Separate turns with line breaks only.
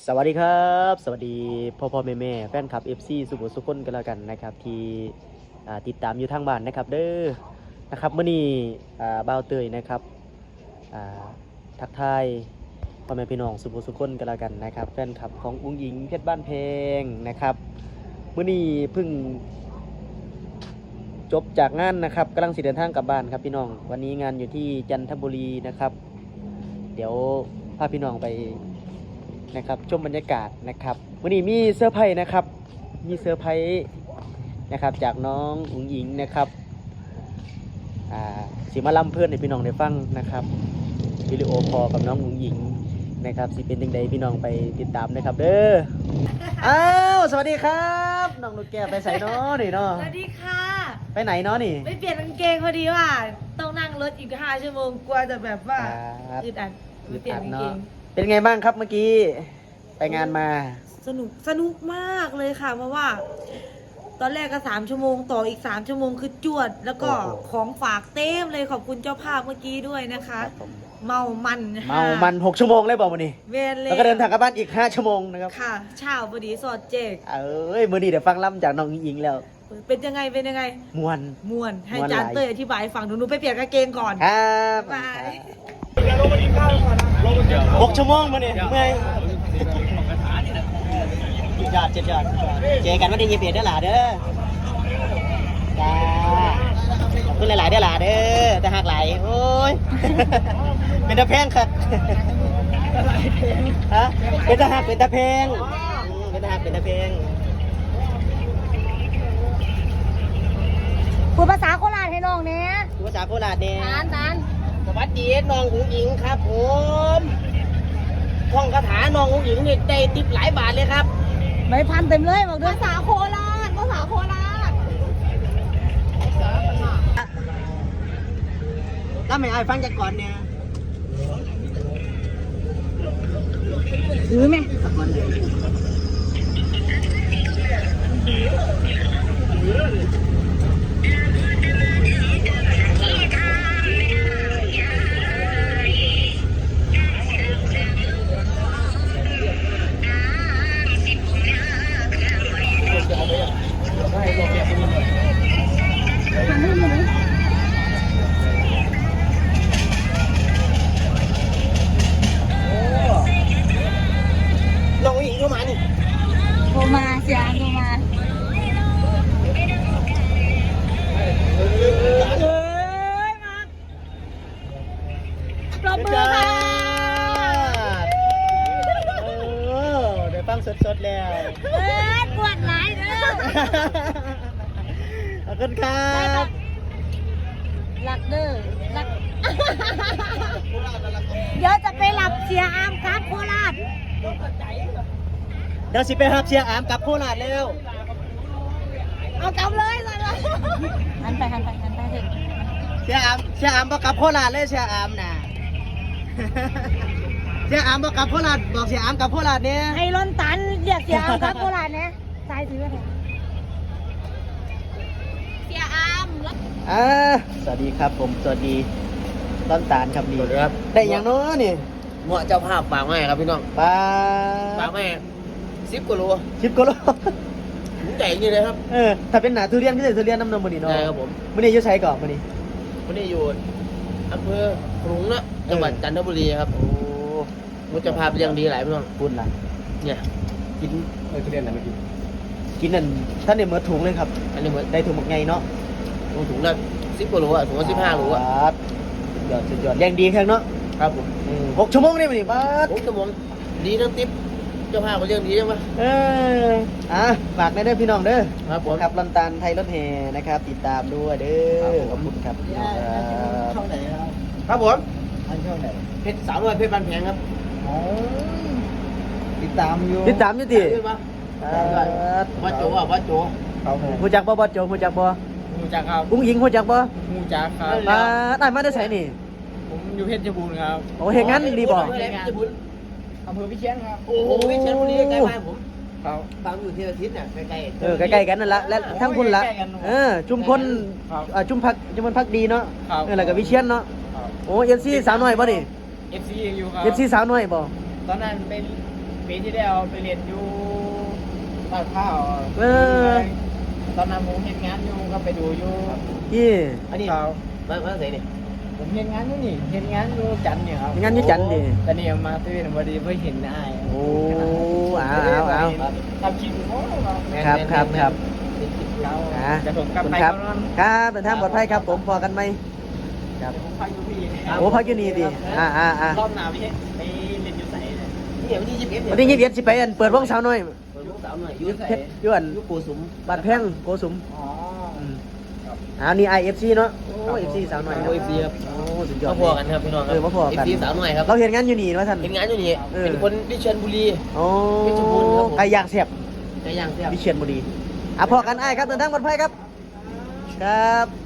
สวัสดีครับสวัสดีพ่อแม่แฟนคลับ FC สุโขสุขคนกันแล้วกันนะครับที่ติดตามอยู่ทางบ้านนะครับเด้อนะครับเมื่อนี้บ่าวเตยนะครับทักทายพ่อแม่พี่น้องสุโขสุขคนกันแล้วกันนะครับแฟนคลับของอุ้งอิงเพชรบ้านเพงนะครับเมื่อนี้เพิ่งจบจากงานนะครับกำลังสิเดินทางกลับบ้านครับพี่น้องวันนี้งานอยู่ที่จันทบุรีนะครับเดี๋ยวพาพี่น้องไปนะครับชมบรรยากาศนะครับวันนี้มีเซอร์ไพรส์นะครับมีเซอร์ไพรส์นะครับจากน้องอุ๋งอิงนะครับสิมาล่ำเพื่อนให้พี่น้องได้ฟังนะครับวิดีโอคอลกับน้องอุ๋งอิงนะครับสิเป็นยังไงพี่น้องไปติดตามนะครับเด้ออ้าวสวัสดีครับน้องลูกแก้วไปใส่น้อนี่เนาะ
สวัสดีค่ะ
ไปไหนเนาะนี่
ไปเปลี่ยนกางเกงพอดีว่าต้องนั่งรถอีก5 ชั่วโมงกลัวจะแบบว่าอึดอัดไปเปลี่ยนกางเกง
เป็นไงบ้างครับเมื่อกี้ไปงานมา
สนุกมากเลยค่ะเพราะว่า ตอนแรกก็3 ชั่วโมงต่ออีก3 ชั่วโมงคือจวดแล้วก็ของฝากเต็มเลยขอบคุณเจ้าภาพเมื่อกี้ด้วยนะคะเมามัน
6 ชั่วโมงเลยบอกวันนี้
เวนเลย
แล้วก็เดินทางกลับบ้านอีก5 ชั่วโมงนะครับ
ค่ะเช้าพอดีสอดเจก
มื้อนี้เดี๋ยวฟังล่ำจากน้องอิงแล้ว
เป็นยังไงมวนให้จานเต้ยอธิบายฟังหนูไปเปลี่ยนกางเกงก่อน
ครับ
ไป
6 ชั่วโมงมาเนี่ยเมื่อยยอดเจอกันวันที่21เด้อหล่ะเด้อจ้าขอบคุณหลายๆเด้อหล่ะเด้อแต่หักไหลโอ้ยเป็นตะแพงครับฮะเป็นตะหักเป็นตะแพงเป็นตะหักเป็นตะแพง
พูดภาษาโคราชให้น้องเนี่ย
พูดภาษาโคราชเนี่ย
นาน
สวัสดีน้องอุ๋งอิงครับผมท่องคาถาน้องอุ๋งอิงนี่ได้ติปหลายบาทเลยครับ
ไม่พันเต็มเลยบอกด้วยภาษาโคราช
แล้วไม่ไอ้ฟังจากก่อนเนี่ย
ถือไหม
น้องอุ๋งอิงเข้ามานี่
โทรมาเสียโทรมามาปรบมือค่ะ
เดี๋ยวฟังสดๆแล้ว
ปวดหลายเด้อ
ขอบคุณครับ
รักเด้อรักเดี๋ยวจะไปหลับเสียอามครับโคราช
เดี๋ยวสิไปรับเชียร์อามกับโคราชแล้ว
เอากลับเลยหันไปถึง
เชียร์อามบอกกับโคราชเลยเชียร์อามน่ะเชียร์อามบอกกับโคราชบอกเชียร์อามกับโคราชเนี่ย
ให้ล้นตันเรียกเสียอามครับโคราชเนี่ยสายถือเถอะเสียอาม
สวัสดีครับผมสวัสดีต้นตาลครับดีครับได้อย่างน้อยนี่
เหมาะเจ้าภาพฝากแม่ครับพี่น้อง
ฝ
ากแม่10 กิโล
10 กิโล
ใหญ่นี่เลยครับ
ถ้าเป็นหนาทุเรียนก็จะทุเรียนน้ำนมมันนี่เนาะ
ใช่ครับผม
มันนี่อยู่ใช้ก่อนมัน
นี่อยู่อำเภอขลุงนะจังหวัดจันทบุรีครับโอ้มุจภาพยังดีหลายพี่น้อง
ปุ่นล่ะ
เนี่ย
กินทุเรียนอะไรเมื่อกี้กินนั่นท่านเนี่ยเหมือนถุงเลยครับ
อันนี้เหมือน
ได้ถุงหมกไงเนาะ
ถุงละ10 กิโลอ่ะถุงละ15 โลอ่ะ
สุดยอดแรงดีแค่เนาะ
ครับผม
6 ชั่วโมงนี่มันนี่บ้า
6 ชั่วโมงดีทั้งติ๊บเจ้าภาพก็เรื่องดีใช่ไหม
ฝากได้พี่น้องเด้อ
ครับผม
ครับลอนตาลไทยรถแห่นะครับติดตามด้วยเด้อขอบคุณครับ
ช่องไหนครับผม
ช่องไหน
เพชร300เพชรบ้านแพงครับ
ติดตามอยู่ดิ
วัดโจ
หูจักบ่บ่โจหูจักบ่
หูจักครับ
อุ้งอิงหูจักบ่
หูจักครับ
ได้มาได้ใส่นี่
ผมอยู่เพชรบูรณ์ครับ
โอ้เห็นงั้นดีบ่
อำเภอวิเชียรครับโอ้วิเชียรบุรีใกล้บ้านผมครับบางอยู่ที่อาทิตย์น่ะใกล้
ๆใกล้ๆกันนั่นละและทั้งคุณละจุมพลจุมพักดีเนาะแล้วก็วิเชียรเนาะโอ้ FC สาวน้อยบ่นี่
FC อยู่ครับ
FC สาวน้อยบ่
ตอนนั้นเป็นปีที่แล้วไปเรียนอยู่ตาดข้าว
เออ
ตอนนั้นผมเห็นงานอยู่ก็ไปดูอยู่
ยี่
อันนี้มาใส่นี่ผมเห็นงานอยู่นี่เห็นงานอยู่จันทร์เนี่ยครับ
งานอยู่จันทร์ดิ
แต่นี่มาเซเว่นพอดีเพื่อเห็นอ้าย
โอ้เอา
ทำคลิปโอ้
ครับ
เรา
อ่า
จะผมกลับ
คุณ
ไป
ครับ
ก่อน
ครับเดินทางปลอดภัยครับผมพอกันไหมครับ
พักอยู่พี่
โอ้พักอยู่นี่ดิอ่า
รอบหน้าพี่ไปเรียนอยู่ไหนเนี่ยเดี๋ยววันที่21
วันที่21สิไปอันเปิดวงสาวน้อย
ลูกสาวหน่อยอยู่ไหน
เพชรยวน
อยู่ปูสุม
บาดแพงโกสุม
อ๋อ
นี่ IFC เนาะโอ้ FC สาวน้อย
โอ้ FC ครับ
โอ้สุดยอด
มาพอกันครับพี่น้องครั
มาพอกัน
FC สาวหน่อยครับ
เราเห็นงานอยู่นี่ว่าท่าน
เห็นงานอยู่นี่
เออ
เป็นคนวิเชียรบุรี
โอ้
เพชรบูรณ์ครับผม
ไก่ย่างเสียบ
ไก่ย่างแซ่บ
วิเชียรบุรีพอกันอ้ายครับเดินทางปลอดภัยครับ ครับ